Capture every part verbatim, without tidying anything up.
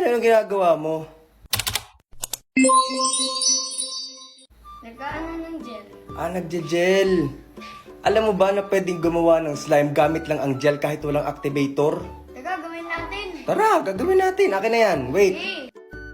yan? Anong ginagawa mo? Nagkaano ng gel. Ah, nagje-gel. Alam mo ba na pwedeng gumawa ng slime gamit lang ang gel kahit walang activator? Teka, gawin natin. Tara, gagawin natin. Akin na yan. Wait. Okay.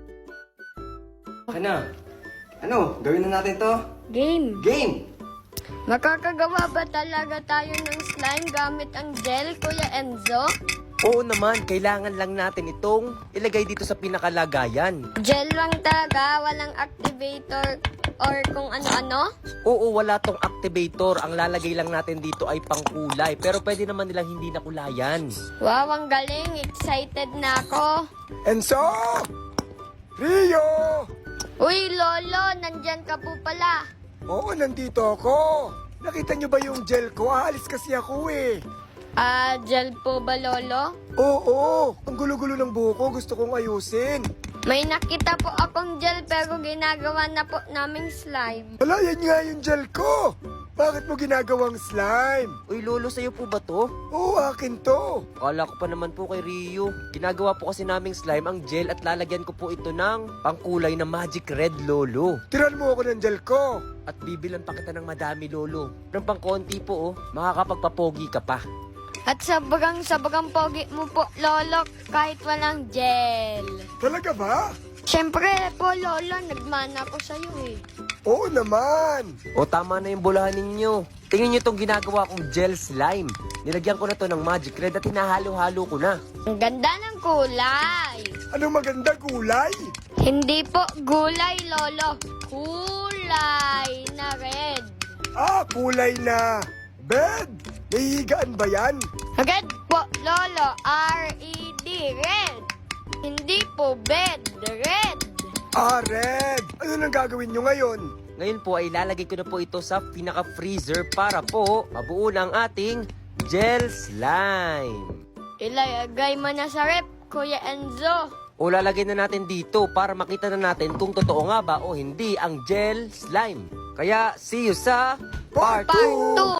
Akin na. Ano? Gawin na natin to? Game. Game! Makakagawa ba talaga tayo ng slime gamit ang gel, Kuya Enzo? Oo naman, kailangan lang natin itong ilagay dito sa pinakalagayan. Gel lang talaga, walang activator or kung ano-ano? Oo, wala tong activator. Ang lalagay lang natin dito ay pangkulay. Pero pwede naman nilang hindi nakulayan. Wow, ang galing. Excited na ako. Enzo! Rio! Uy, Lolo, nandyan ka po pala. Oo, nandito ako. Nakita niyo ba yung gel ko? Aalis kasi ako eh. Ah, gel po ba, Lolo? Oo, ang gulo-gulo ng buhok ko. Gusto kong ayusin. May nakita po akong gel pero ginagawa na po naming slime. Wala, yan nga yung gel ko. Bakit mo ginagawang slime? Uy, Lolo, sa'yo po ba to? Oo, akin to. Kala ko pa naman po kay Rio. Ginagawa po kasi naming slime ang gel at lalagyan ko po ito ng pangkulay na magic red, Lolo. Tiran mo ako ng gel ko. At bibilan pa kita ng madami, Lolo. Ng pang konti po, oh. Makakapagpapogi ka pa. At sabagang sabagang pogi mo po, Lolo, kahit walang gel. Talaga ba? Siyempre po, Lolo, nagmana ko sa'yo eh. Oo naman. O, tama na yung bulahan ninyo. Tingnan nyo itong ginagawa kong gel slime. Nilagyan ko na to ng magic red at hinahalo-halo ko na. Ang ganda ng kulay. Anong maganda kulay? Hindi po gulay, Lolo. Kulay na red. Ah, kulay na bed. Nahihigaan ba yan? Red po, Lolo. R E D, red. Hindi po bed, red. Ah, red. Ano nang gagawin nyo ngayon? Ngayon po ay ilalagay ko na po ito sa pinaka-freezer para po mabuo na ang ating gel slime. Ilagay mo na sa rep, Kuya Enzo. O lalagay na natin dito para makita na natin kung totoo nga ba o hindi ang gel slime. Kaya see you sa part Part two.